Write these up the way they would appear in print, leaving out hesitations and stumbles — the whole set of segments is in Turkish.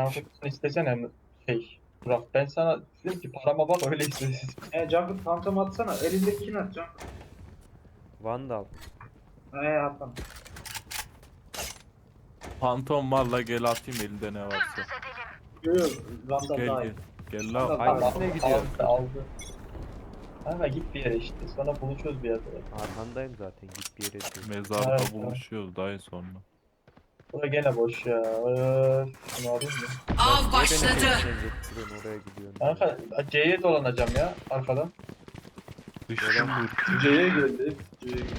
kutusunu istesene Burak, ben sana dedim ki parama bak öyle istesin. Jungle Phantom atsana. Elindekini at Jungle. Vandal. Atam. Phantom valla gel atayım elinde ne varsa. Yok Vandal Gel daha gel. iyi. Gel la. Vandal Hayır, daha iyi. üstüne gidiyor. Aldı. Kanka git bir yere işte. Sonra buluşuruz bir yerde. Arkandayım zaten, git bir yere diyor. Mezarda Evet, buluşuyoruz dayı sonra. Bura gene boş ya. Şunu alayım mı? Av başladı. Oraya gidiyorum. Kanka C'ye dolanacağım ya arkadan. Düştüm dur. C'ye geldi. C'ye geldi.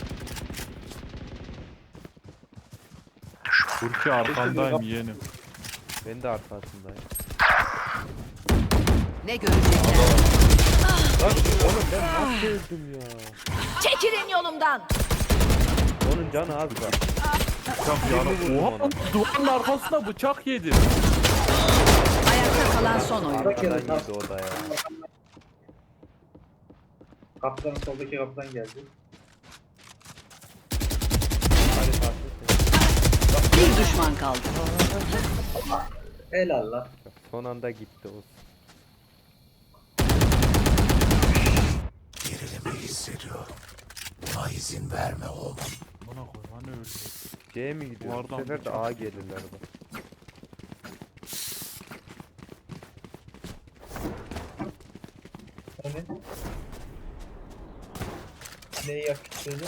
Burki arkandayım yeğenim. Ben de arkasındayım. Ne görecekler? Lan oğlum ben nasıl öldüm ya? Çekilin yolumdan. Onun canı az var. Bıçak vurdum yana. ona. Oha duvarın arkasına bıçak yedi. Ayakta kalan son oyun. Arkadan yedi o da ya. Kaptanın soldaki kaptan geldi. Hadi farklı. Bir düşman kaldı. Helal lan. Son anda gitti o. Bana koy hani öyle. C'ye mi gidiyor? Bu Duvardan sefer de bıçak A gelirler bak. Hani? Neyi yapıştırdı?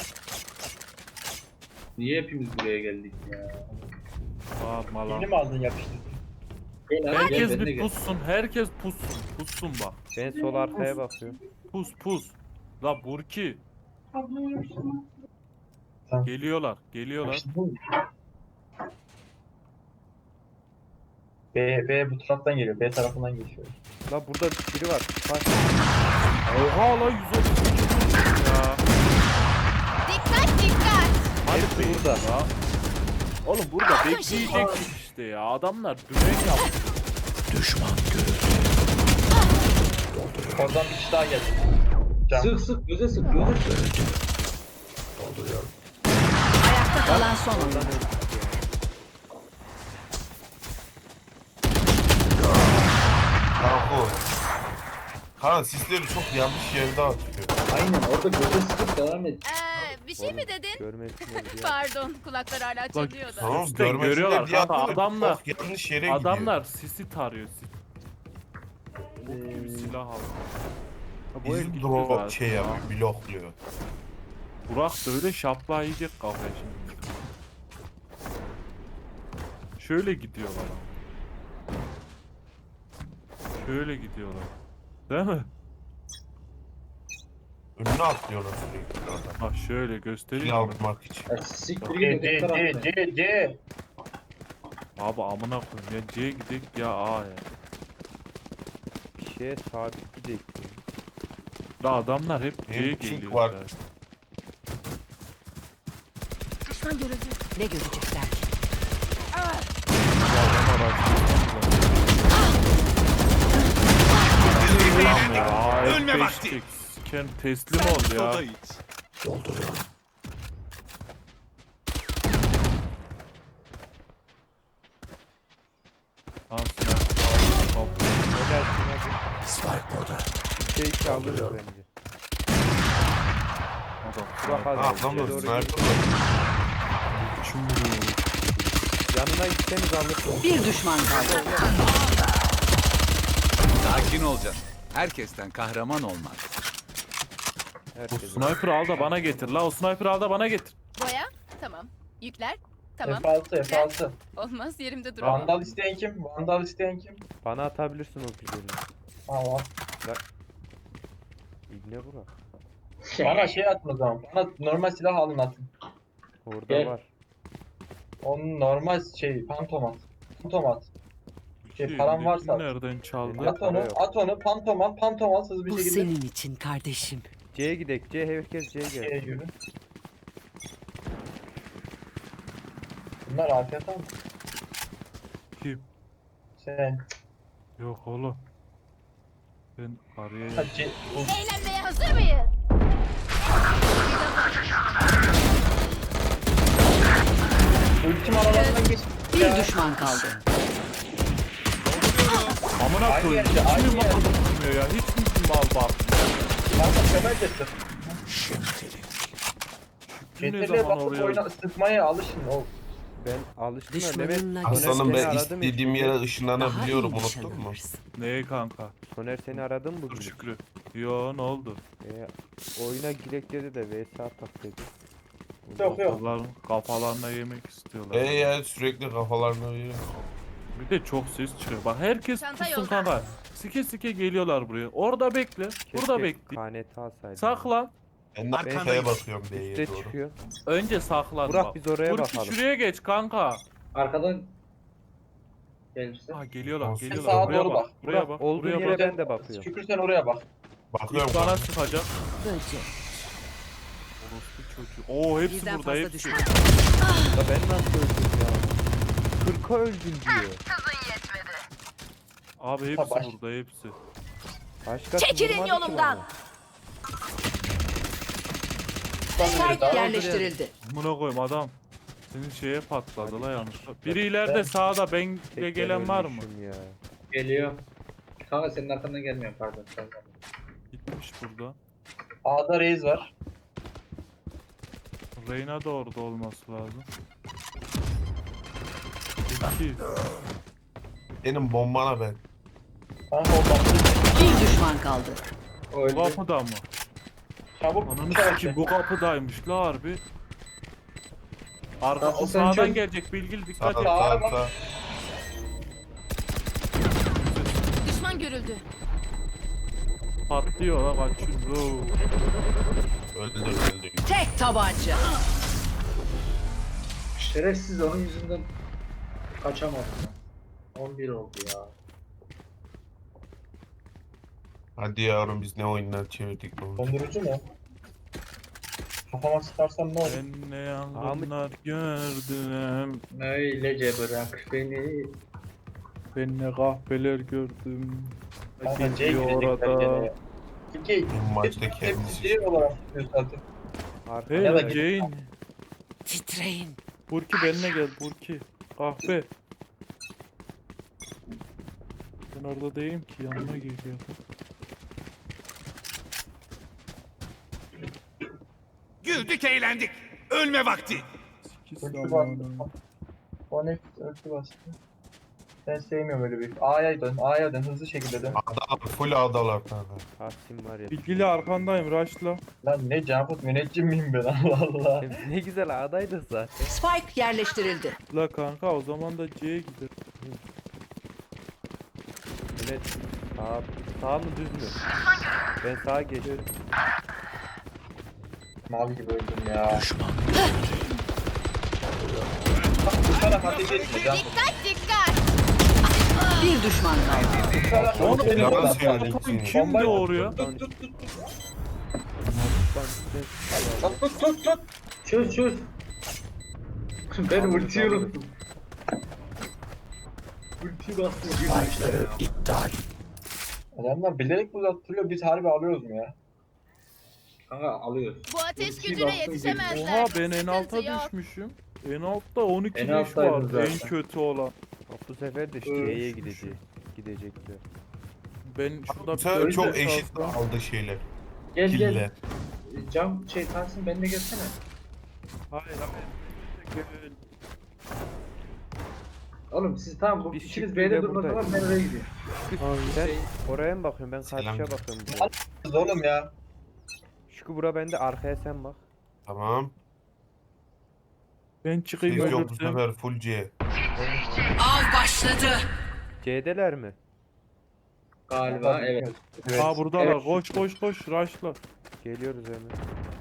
Niye hepimiz buraya geldik ya? Bağırma lan. Yeni mi aldın yapıştırdın? Herkes Ben de bir gel. pussun. Herkes pussun. Pussun bak. Ben sol arkaya bakıyorum. Pus. La Burki. Tamam. Geliyorlar. Geliyorlar. Yapıştırdın mı? B bu taraftan geliyor. B tarafından geçiyor. La burada biri var. Bak. Oha la 130 ya. Dikkat dikkat. Hepsi burada. Ya. Oğlum burada bekleyecektik işte ya. Adamlar dümen yaptı. Oradan bir kişi daha geldi. Can. Sık sık göze sık göze sık. Ayakta kalan son oyun. Kanka. Kanka sisleri çok yanlış yerde atıyor. Aynen orada göze sıkıp devam et. Bir şey mi dedin? Görmesinler diye. Pardon, kulaklar hala çalıyor da. Tamam Üstten görmesinler görüyorlar diye kanka, atıyor da adamlar- çok yanlış yere Adamlar sisi tarıyor. Bok gibi silah aldı. Ha, bu el gidiyor. gitti Bizim drop zaten şey ya. yapıyor, blokluyor. Burak da öyle şapla yiyecek kafaya şimdi. Şöyle gidiyorlar ama. Şöyle gidiyorlar. Değil mi? Önüne atlıyorlar sürekli adam. Bak şöyle Kill göstereyim. almak için. Ya siktir C git C öteki tarafta. C. Abi amına koyayım ya C'ye gidek ya A ya. Bir şeye sabit gidecek. La adamlar hep C'ye Hem geliyor. pink var. zaten. Düşman görüldü. Ne görecekler? Bu adamlar Tamam ya. Ölme vakti. Sen teslim ol ya. Helalsin hadi. Spike burada. Bir şey alırız bence. Burak Ha hadi. adam da C'ye doğru sniper git. var. Yanına gitseniz alırsın. Bir düşman kaldı. Sakin olacaksın. Herkesten kahraman olmaz. O Herkes. sniper al da bana getir la. O sniper al da bana getir. Boya, tamam. Yükler, tamam. F6. Olmaz, yerimde duramam. Vandal isteyen kim? Vandal isteyen kim? Bana atabilirsin o güzelini. Al. İbne Burak. Bana şey atın o zaman. Bana normal silah alın atın. Orada Gel. var. Onun normal pantomat. Pantomat. Param varsa. Nereden çaldı? Yok, At onu, yok. at onu, pantomat hızlı bir Bu şekilde senin için kardeşim. C'ye gidek. C herkes C'ye C'ye gel. yürü. Bunlar afiyet ama. Kim? Sen. Yok oğlum. Ben araya Ha, Eğlenmeye hazır mıyız? ultim aralarından geç. Bir düşman kaldı. Amına Aynı koyayım. yerde, Hiç aynı mi mal yerde. bakmıyor ya? Hiç mi mal bakmıyor? Kanka Kemal de sık. Kim ne CTRL'e zaman basıp oraya? oyna sıkmaya alışın oğlum. Ben alıştım da Mehmet. Düşmanınla Soner Aslanım seni ben aradı mı istediğim hiç? yere daha iyi ışınlanabiliyorum, nişan unuttun mu? alırsın. Neye kanka? Soner seni aradı mı Dur bugün? Şükrü. Yo ne oldu? Oyuna girek dedi de VS atak dedi. Yok yok. Kızların kafalarına yemek istiyorlar. Ya sürekli kafalarına veriyor. Bir de çok ses çıkıyor. Bak herkes Çanta tutsun yolda. kanka. Sike sike geliyorlar buraya. Orada bekle. Burada bekle. KNT alsaydım. Saklan. Ben de arkaya bakıyorum B'ye Üste doğru. çıkıyor. Önce saklan. Burak, bak. biz oraya Burki bakalım. şuraya geç kanka. Arkadan gelirse. Ha geliyorlar Olsun. geliyorlar. Sağa Buraya doğru bak. bak. Buraya Burak bak. olduğun Buraya yere bak. ben de bakıyorum. Şükür sen oraya bak. Bakıyorum İlk bana kanka. sıkacak. Böcek. Orospu çocuğu. Oo hepsi Birden burada fazla hepsi. düşman. Ya ben nasıl öldüm ya? 40'a öldüm diyor. Abi hepsi Tabaş. burada hepsi. Başkası Çekilin vurmadı ki yolumdan. bana. Spike yerleştirildi. Buna koyayım adam. Senin şeye patladı la yanlışlıkla. Biri ileride sağda benle Tekrar gelen var mı? ölmüşüm ya. Geliyor. Kanka senin arkandan gelmiyor pardon. Gitmiş burada. A'da Reis var. Reyna da orada olması lazım. İki. Benim bombana ben. Kanka o baktı. Bir düşman kaldı. Bu Öldü. kapıda mı? Çabuk Ananı bıçak sikeyim bu kapıdaymış la harbi. Tamam, Arkası sen sağdan çöz. gelecek Bilgil Sağ dikkat et. sağ bak. sağ. Düşman görüldü. Patlıyor la kaçıyor. Öldü öldü. Tek tabanca. Şerefsiz onun yüzünden kaçamadım. 11 oldu ya. Hadi yavrum biz ne oyunlar çevirdik bu. Dondurucu mu? Kafama sıkarsam ne olur? Ben ne yangınlar gördüm. Öylece bırak beni. Ben ne kahveler gördüm. Kanka C Gidiyor girecekler gene orada. ya. Çünkü Bu maçta kendisi. C olarak tutuyor zaten. Arkada Hey Ya da la Jane. Titreyin. Burki benimle gel Burki. Kahve. Ben orada değilim ki yanına geliyor. Güldük eğlendik. Ölme vakti. Sikis Ölçü zamanı. bastı. Connect ölçü bastı. Ben sevmiyorum öyle bir. A'ya dön, hızlı şekilde dön. Adalar, full adalar kanka. Tahsin var ya. Bilgili arkandayım Raşla. Lan ne Canput müneccim miyim ben Allah Allah. Ne güzel adaydı zaten. Spike yerleştirildi. La kanka o zaman da C'ye gider. Evet. Sağ mı düz mü? Ben sağa geçtim. Mal gibi öldüm ya. Bak bu taraf ateş etme Canput. Dikkat dikkat. Bir düşman kaldı. Bu taraf Oğlum ateş yalan etme. söylüyorsun. Kim Bombayı- doğuruyor? Tut tut tut. Ben Tut tut tut. Çöz çöz. Ben ultiyi unuttum. Ulti bastım. Adamlar bilerek uzattırıyor, biz harbi alıyoruz mu ya? Kanka alıyoruz. Bu ateş Ulti gücüne bastım, yetişemezler. Oha ben en alta Sıkıntı yok. düşmüşüm. En altta 12 En leş alttaydın var en zaten. kötü olan. Bak bu sefer de C'ye gidecekler. Ben şurada Bu sefer dört çok leş eşit alsam- aldı şeyler. Gel gel. Killer. Cam Tahsin benimle gelsene. Hayır hayır. Gel. Oğlum siz tamam bu Biz ikiniz Şükrü'yle B'de durmadan buradayız. ben oraya gidiyorum. Sen oraya mı bakıyorsun? Ben Selam. karşıya bakıyorum. buraya. Biz oğlum ya. Şükrü bura bende, arkaya sen bak. Tamam. Ben çıkayım Siz yok bu ölürsem. sefer full C. Av başladı. C'deler mi? Galiba evet. Aa buradalar. Evet. Koş koş koş Raşla. Geliyoruz hemen.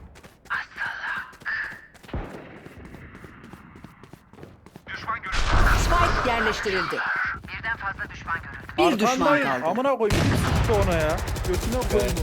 Spike yerleştirildi. Bir düşman Arkandayım. kaldı. Amına koyayım. Sıktı ona ya. Götüne koyayım.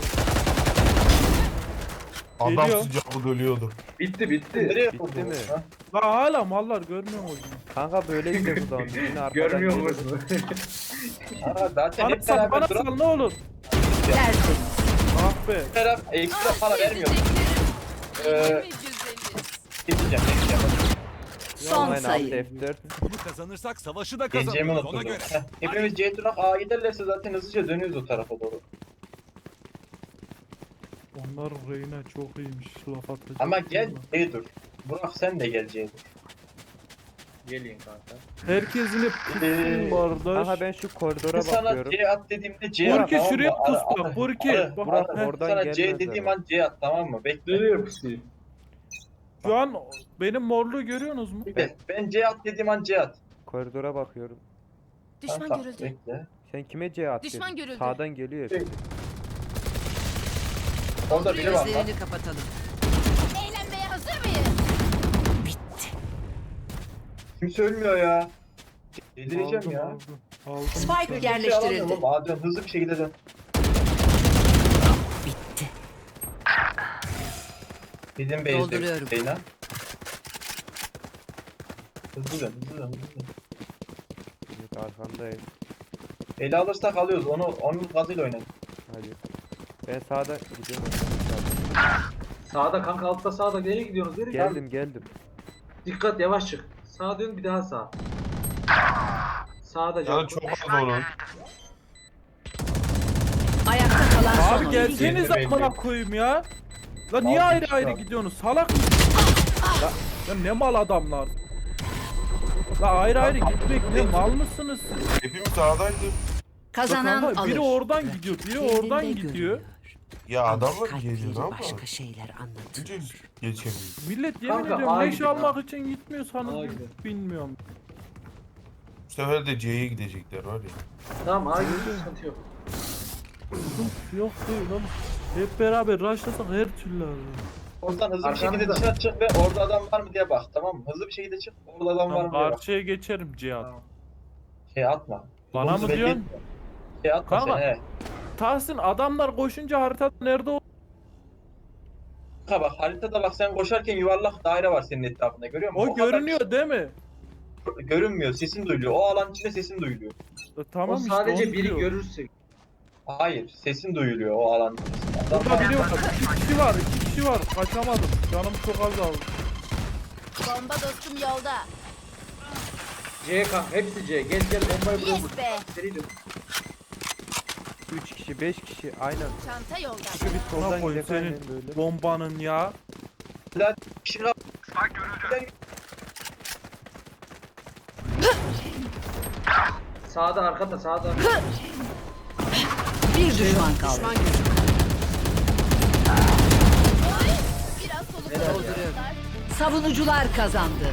Adam Geliyor. sıcaklık ölüyordu. Bitti bitti. Nereye Bitti vurdun? mi? Ha? La hala mallar görmüyor musun? Kanka böyle gidiyor buradan. Yine arkadan Görmüyor geliyor. musun? Aa, zaten Bana hep sal beraber sal ne olur. Tertemiz. Ah be. duran ekstra para vermiyor. Sevdiklerim. Ee, Mi güzeliz? Geçeceğim. Son Aynen abi sayı. F4. Bunu kazanırsak savaşı da Geleceğimi kazanırız ona unuttum. göre. Heh, hepimiz C durak A giderlerse zaten hızlıca dönüyoruz o tarafa doğru. Onlar Reyna çok iyiymiş laf atacak. Ama gel C dur. Burak sen de gel C dur. Gelin kanka. Herkesin hep Ee, kusun kardeş. Aha ben şu koridora Sana bakıyorum. C at dediğimde C at, Burki tamam şuraya mı? pus bak, Burki. Bak, Burak, heh. oradan sana C gelmez dediğim herhalde. an C at, tamam mı? Bekle. Nereye pusuyu? Şu an benim morluğu görüyorsunuz mu? Bekle. Ben C at dediğim an C at. Koridora bakıyorum. Düşman Kanka, görüldü. bekle. Sen kime C at Düşman dedin? görüldü. Sağdan geliyor hepsi. Orada biri var lan. Gözlerini kapatalım. Eğlenmeye hazır mıyız? Kimse ölmüyor ya. Yedireceğim ya. Aldım. Spike Kimse yerleştirildi. alamıyorum ama dön, hızlı bir şekilde dön. Bitti. Bizim base'de Dolduruyorum. Reyna. Hızlı dön, hızlı dön, hızlı dön. Evet arkandayım. Ele alırsak alıyoruz. Onun gazıyla oynayın. Hadi. Ben sağda gidiyorum. Sağda kanka, altta sağda. Nereye gidiyorsunuz? Nereye? Geldim. Dikkat, yavaş çık. Sağa dön, bir daha sağ. Sağda Canı can. çok az onun. Ayakta kalan son Abi oyuncu. gelseniz Belli, belli. amına koyayım ya. La niye Aldım ayrı işte ayrı abi. gidiyorsunuz? Salak mısın? Ya ne mal adamlar. La ayrı ayrı gitmek ne mal mısınız siz? Hepimiz sağdaydık. Kazanan Kanka, alır. biri oradan gidiyor, biri oradan Kendinde gidiyor. görünüyor. Ya adamlar Kalpleri geliyor ama. başka şeyler anlatıyor. Önce geçemiyor. Millet yemin Kanka, ediyorum A leş gidiyor, almak için gitmiyorsanız A gidiyor. bilmiyorum. Bu sefer de C'ye gidecekler var ya. Tamam, ağa gidiyor, sıkıntı yok. Yok değil oğlum. Hep beraber rushlasak her türlü alır. Oradan hızlı bir şekilde Arkamızda. dışarı çık ve orada adam var mı diye bak, tamam mı? Hızlı bir şekilde çık, orada adam var mı diye bak. Karşıya geçerim Cihat. Tamam. Şey atma. Bana Bunu mı belli diyorsun? etme. Şey atma Kanka. sen, he. Tahsin adamlar koşunca haritada nerede o? Kanka bak, haritada bak, sen koşarken yuvarlak daire var senin etrafında, görüyor musun? O kadar görünüyor değil mi? görünmüyor, sesin duyuluyor. O alan içinde sesin duyuluyor. Tamam O işte sadece onu biri diyor. görürse. Hayır, sesin duyuluyor o alan içerisinde. Adam Burada biri var. İki kişi var. İki kişi var. Kaçamadım. Canım çok azaldı. Bomba dostum yolda. C kanka, hepsi C. Gel bombayı buraya vur. Yes be. Seri dön. 3 kişi 5 kişi aynen. Çanta yolda. Şu bir Buna soldan koyayım gidelim senin aynen böyle. bombanın ya. kişi kal- Sağda, arkada, sağda. Bir düşman kaldı. Biraz soluk Helal ya. dolduruyorum. Savunucular kazandı.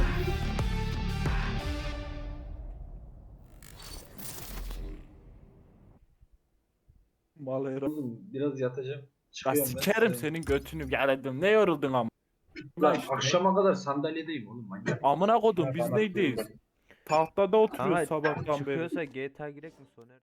Malera. Oğlum, biraz yatacağım. Ya Çıkıyorum ben. sikerim senin götünü. Geledim. Ne yoruldun ama. Lan akşama kadar sandalyedeyim oğlum, manyak. Amına kodum biz Bana- neydeyiz? Tahtada oturuyoruz Kanka sabahtan beri. çıkıyorsa GTA girek mi Soner?